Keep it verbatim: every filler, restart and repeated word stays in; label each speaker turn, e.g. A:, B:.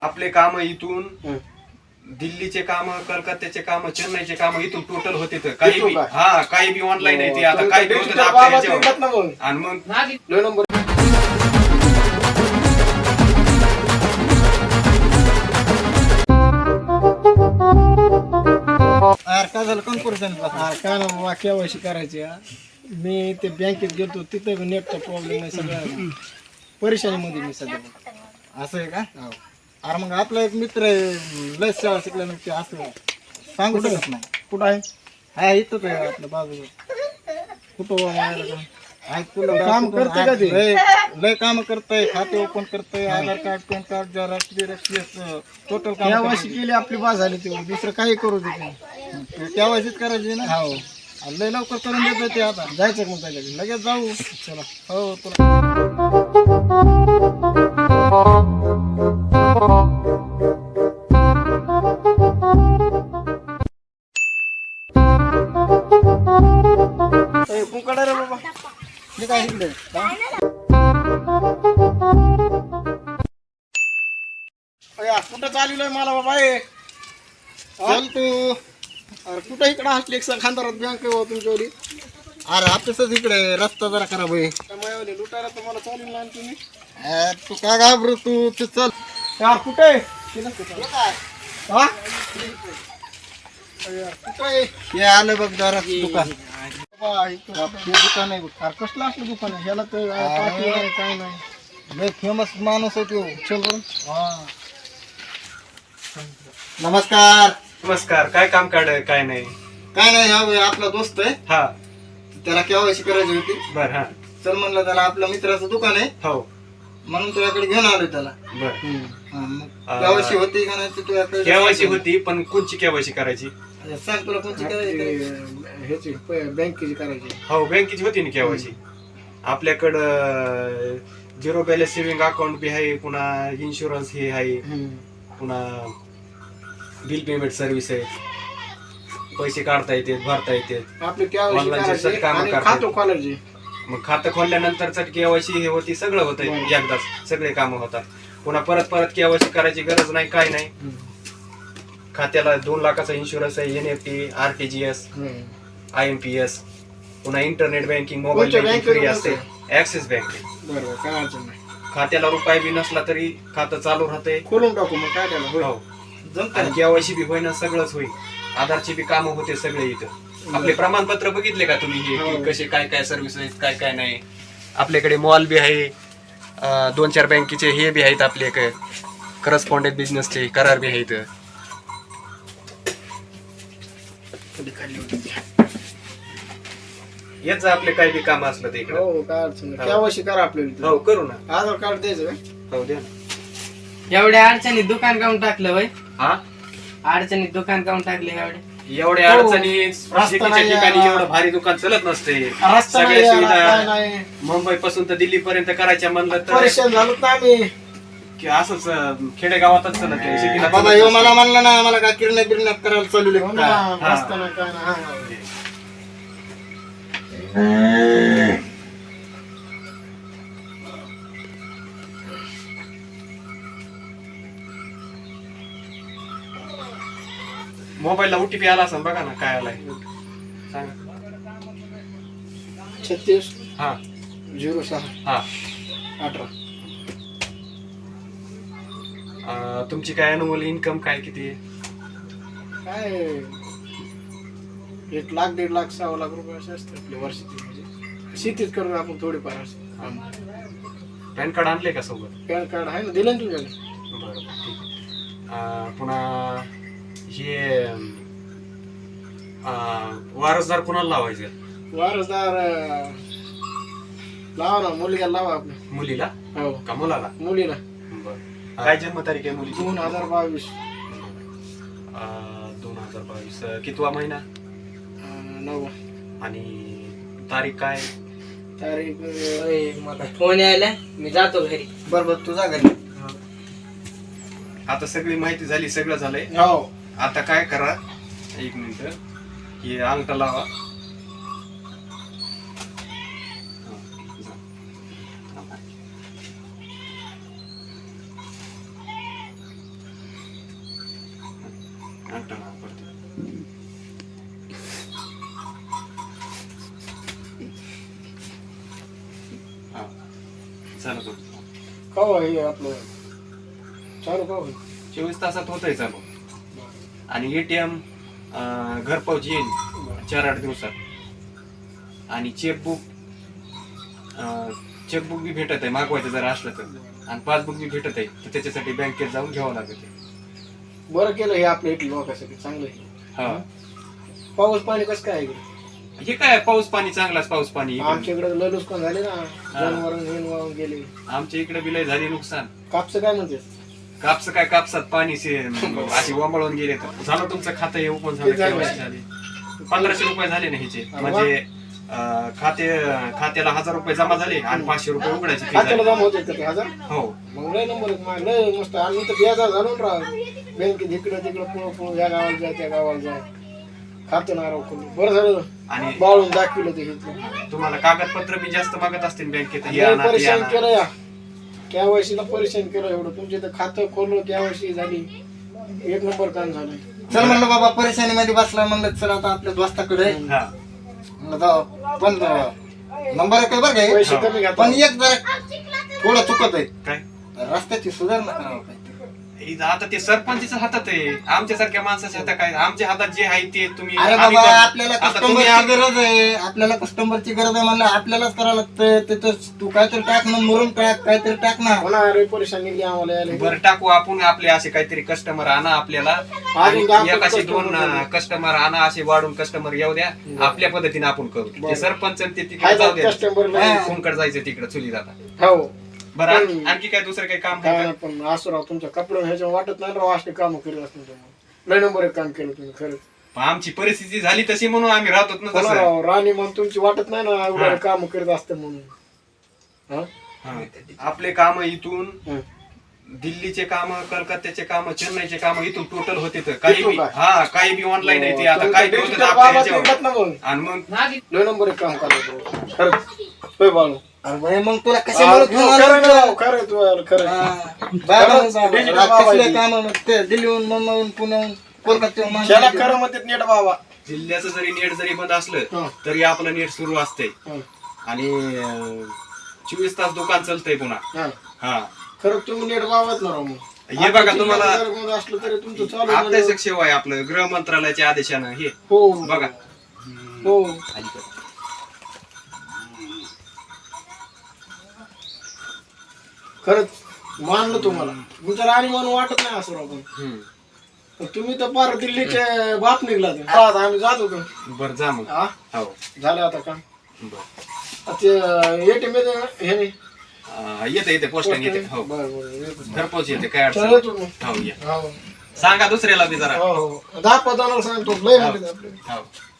A: आपले काम इथून दिल्लीचे काम, कलकत्त्याचे काम, चेन्नईचे काम इथून टोटल होते तर काही बी हा काही बी ऑनलाईन आहे ते आता काही बी होतं आपल्या ह्याच्यावर. आणि मग
B: काय झालं कॉन्फरन्स काय ना बाबा केवायसी करायची हा. मी ते बँकेत गेलो तिथं नेटचा प्रॉब्लेम आहे सगळं परेशानीमध्ये मी सध्या. असं आहे का? अरे मग आपला एक मित्र आहे लस शाळा शिकल्यानंतर ते असं सांगू शकत नाही. कुठं आहे? हा इथंच आहे आपल्या बाजूला. कुठं आहे तुला काम करते का ते? लय काम करतंय, खाते ओपन करतंय, Aadhaar card, PAN card, xerox, total काम केवायसी केली आपली बाज झाली. ते दुसरं काही करू दे केवायसीच करायची ना. हो लय लवकर करून देत ते. आता जायचं मग त्याच्याकडे लगेच जाऊ. चला हो तुला कुंकडा रे बाबा मी काय इकडे कुठं चाललोय मला बाबा हे चल तू. अरे कुठं इकडं असली एक खानदारात बँक आहे तुमच्यावरी. अरे ऑफिसच इकडे रस्ता जरा खराब आहे मायावली लुटायला तर मला चालेल ना तुम्ही. तू काय घाबरू तू ते चल. यार कुठे हा कुठे हे आलं बघ जरा दुकान. दुकान आहे बघ. कसलं असलं दुकान आहे ह्याला तर काय नाही. लय फेमस माणूस आहे तो. चल बरं. हा नमस्कार.
A: नमस्कार. काय काम काढ काय नाही?
B: काय नाही हा आपला दोस्त आहे.
A: हा
B: त्याला केवायसी करायची होती.
A: बर. हा
B: चल म्हणलं त्याला आपल्या मित्राचं दुकान आहे
A: हो
B: म्हणून तुझ्याकडे घेऊन आलोय त्याला.
A: बर.
B: केवायसी होती का नाही तुझ्याकडे?
A: केवायसी होती पण कोणची केवायसी करायची?
B: सांग तुला कोणती करायची? ह्याची बँकेची करायची.
A: हो बँकेची होती ना केवायसी. आपल्याकडं झिरो बॅलन्स सेव्हिंग अकाउंट बी आहे, पुन्हा इन्शुरन्स हे आहे, पुन्हा बिल पेमेंट सर्व्हिस आहे, पैसे काढता येते, भरता येते,
B: आपली
A: खातं खोलायची. मग खातं खोलल्यानंतर केवायसी हे होती, सगळं होतं एकदाच सगळे काम होतात. पुन्हा परत परत केवायसी करायची गरज नाही, काय नाही. खात्याला दोन लाखाचा इन्शुरन्स आहे, N F T, R T G S, I M P S, पुन्हा internet banking, mobile banking free असते. Axis bank.
B: बरोबर काय अडचण नाही.
A: खात्याला रुपये बी नसला तरी खातं चालू राहते.
B: खोलून टाकू मग काय त्याला.
A: हो आणि केवायसी बी होईना, सगळंच होईल. आधारची बी कामं होते सगळे इथं. आपले प्रमाणपत्र बघितले का तुम्ही हे कसे काय काय सर्व्हिस आहेत, काय काय नाही. आपल्याकडे मॉल बी आहे, दोन चार बँकेचे हे बी आहेत आपले, करस्पॉन्डेंट बिझनेसचे करार बी आहेत. याच आपले काही बी काम असलं ते.
B: हो काय अडचण नाही. केवायसी करा आपल्याला.
A: हो करू ना.
B: आधार कार्ड द्यायचं का?
A: हो द्या ना.
C: एवढ्या अडचणीत दुकान काऊन टाकलं वय?
A: हा
C: अडचणीत दुकान काऊन टाकले एवढे?
A: एवढ्या अडचणी शेतीच्या ठिकाणी एवढं भारी दुकान चलत नसते. सगळ्या सुविधा मुंबई पासून तर दिल्ली पर्यंत करायच्या म्हणलं तर
B: परेशान झालो ना आम्ही
A: की असंच खेडेगावातच चलत नाही. शेतीला
B: बाबा येऊ मला म्हणलं ना मला काय किरण्या बिरण्या करायला चालू रस्ता नाही काय नाही.
A: मोबाईलला ओटीपी आला असं बघा ना काय आलाय सांगा.
B: छत्तीस
A: हा
B: झिरो सहा
A: हा
B: अठरा.
A: अं, तुमची काय अनुमोल इन्कम काय किती आहे?
B: काय एक लाख दीड लाख सहा लाख रुपये असे असते आपल्या वर्षाची. म्हणजे शेतीच करून आपण थोडीफार असं.
A: पॅन कार्ड आणले का सोबत?
B: पॅन कार्ड आहे ना, दिलं ना तुझ्याकडे.
A: बरोबर ठीक आहे. अं, पुन्हा हे अं, वारसदार कुणाला लावायचे?
B: वारसदार अं, लावा ना मुलगा लावा आपल्या.
A: मुलीला
B: हो
A: का मुलाला?
B: मुलीला.
A: बरं. काय जन्मतारीख आहे मुलीची?
B: दोन हजार बावीस
A: दोन हजार बावीस कितवा महिना
B: नऊ
A: आणि तारीख काय?
B: तारीख
C: ओय, मला फोन यायला मी जातो घरी.
B: बरोबर तुझा घरी.
A: आता सगळी माहिती झाली, सगळं झालंय.
B: हो
A: आता काय करा, एक मिनिट हे अंगठा लावा. घंटा पडते. हा चालू करू.
B: का हे आपलं चालू का होईल?
A: चोवीस तासात होतंय चालू. आणि एटीएम घरपोच येईल चार आठ दिवसात. आणि चेकबुक चेकबुक बी भेटत आहे मागवायचं जर असलं तर. आणि पासबुक बी भेटत आहे तर त्याच्यासाठी बँकेत जाऊन घ्यावं लागत.
B: बरं केलं हे आपल्या इथल्या लोकांसाठी चांगलं आहे.
A: हा
B: पाऊस पाणी कसं काय आहे इकडे?
A: हे काय पाऊस पाणी चांगलाच पाऊस पाणी इकडे.
B: आमच्याकडे लय नुकसान झाले ना, जनावर हेन वाहून गेले.
A: आमच्या इकडे बी लय झाले नुकसान.
B: कापस काय म्हणते?
A: कापस काय कापसात पाणी से- अशी वंबळून गेले तर झालं तुमचं खातं हे ओपन झालं
B: किती झालं?
A: केवायसी झाली. पंधराशे रुपये झाले ना ह्याचे. म्हणजे अं, खाते खात्याला हजार रुपये जमा झाले आणि पाचशे रुपये उघडायचे fee
B: खात्याला
A: झाली.
B: जमा होते का ते हजार?
A: हो
B: मग लय नंबर आहेत माझे, लय मस्त. आम्ही तर बेजार घालून राहू बँकेत इकडं तिकडं पुढं पुढं या गावाला जा त्या गावाला जा. खातं नाराव करून बरं झालं
A: आणि
B: बाळून दाखविलं ते घेतलं.
A: तुम्हाला कागदपत्र बी जास्त मागत असतील बँकेत हे
B: लय
A: आणा, ते
B: परेशान
A: आणा.
B: केलं या केवायसी ला परेशान केलं एवढं. तुमचे तर खातं खोललं केवायसी झाली एक नंबर काम झालं.
D: चल म्हणलं बाबा परेशानी मध्ये बसला म्हणलं चल आता आपल्या दोस्ताकडे
A: हा
D: म्हणलं जाऊ. पण नंबर काय बरं काय
B: पैसे कमी घातले.
D: पण एक जरा थोडं चुकत आहे.
A: काय
D: रस्त्याची सुधारणा करावं पाहिजे.
A: हे आता ते सरपंचच्या हातात आहे. आमच्यासारख्या माणसाच्या हातात काय. आमच्या हातात जे आहे ते तुम्ही
D: अरे
A: आम्ही
D: बाबा
A: करतो.
D: आपल्याला
A: आता तुम्ही
D: कस्टमरची
A: आम-
D: गरज आहे. आपल्याला कस्टमरची गरज आहे म्हणलं आपल्यालाच करावं लागतं. तिथं तू काहीतरी टाक ना, मुरून टाक काहीतरी टाक ना.
B: होणार रे परेशान निघली आम्हाला यायला.
A: बरं टाकू आपण आपले असे काहीतरी कस्टमर आणा आपल्याला. आणि
B: दहा
A: एक असे
B: customer
A: दोन
B: आणा.
A: कस्टमर आणा असे वाढून कस्टमर येऊ द्या. आपल्या पद्धतीने आपण करू. ते सरपंच आणि ते तिकडे
B: हाय
A: जाऊ द्या.
B: कस्टमर
A: कोणकडे जायचं तिकडे चुली जाता.
B: हो
A: बरं आण- आणखी काय दुसरं काही काम
B: काय
A: करता?
B: नाही, पण असं राव तुमच्या कपडे ह्याच्या वाटत नाही राव असले काम करीत असतील तुम्ही. लय नंबर एक काम केलं तुम्ही खरंच.
A: पण आमची परिस्थिती झाली तशी म्हणून आम्ही राहतो ना
B: हो ना
A: तसं.
B: राव, राणी म्हणून तुमची वाटत नाही ना एवढं
A: हा.
B: काम करीत असते म्हणून. हा?
A: हा. आपले काम इथून
B: हं.
A: दिल्लीचे काम, कलकत्त्याचे काम, चेन्नईचे काम इथून टोटल होते तर काही
B: इथून
A: बी
B: काय?
A: हा काही बी ऑनलाईन आहे ते आता
B: तुम्ही
A: काय
B: तर
A: बी होतं
B: digital
A: आपल्या
B: बाबा
A: ह्याच्यावर.
B: निघत ना मग.
A: आणि मग
B: लय नंबर एक काम करायचं खरंच. होय बाळू.
D: अरे बाई, मग तुला
B: हा,
D: कशामुळे
B: खरं ना राव, खरं तू यार, खरं. खरंच, digital बाबा आहे.
D: काम ते दिल्लीहून मुंबईहून पुण्याहून कोलकात्याहून
B: त्याला
D: माणसं-
B: खरं म्हणतात नेट बाबा.
A: जिल्ह्याचं जरी नेट जरी बंद असलं
B: हं.
A: तरी आपलं नेट सुरू असतंय.
B: हं.
A: आणि अं, चोवीस तास दुकान चालतंय पुन्हा.
B: हा.
A: हा
B: खरं तुम्ही नेट बाबाच ना राव मग.
A: हे बघा तुम्हाला
B: जर मग असलं तरी तुमचं चालू आहे
A: अत्यावश्यक सेवा आहे आपलं गृह मंत्रालयाच्या आदेशानं हे
B: हो
A: बघा.
B: हो खरंच मानलं तुम्हाला. तुमचं राणी म्हणून वाटत नाही असं राव पण.
A: हम्म.
B: पण तुम्ही तर पार दिल्लीचे बाप निघला ते. हा, आता आम्ही जात होतो.
A: बरं जा मग.
B: हा
A: हो
B: झालं आता काम.
A: बरं
B: ते एटीएम हे नाही.
A: अं, येते येते पोस्टाने येते. हो
B: बरं बरं येतो.
A: घरपोच येते काय अडचण
B: चला येतो मग.
A: नाही. हो या
B: हो
A: सांगा दुसऱ्याला बी जरा.
B: हो हो दहा पदाला सांगतो लय म्हणते आपले.
A: हो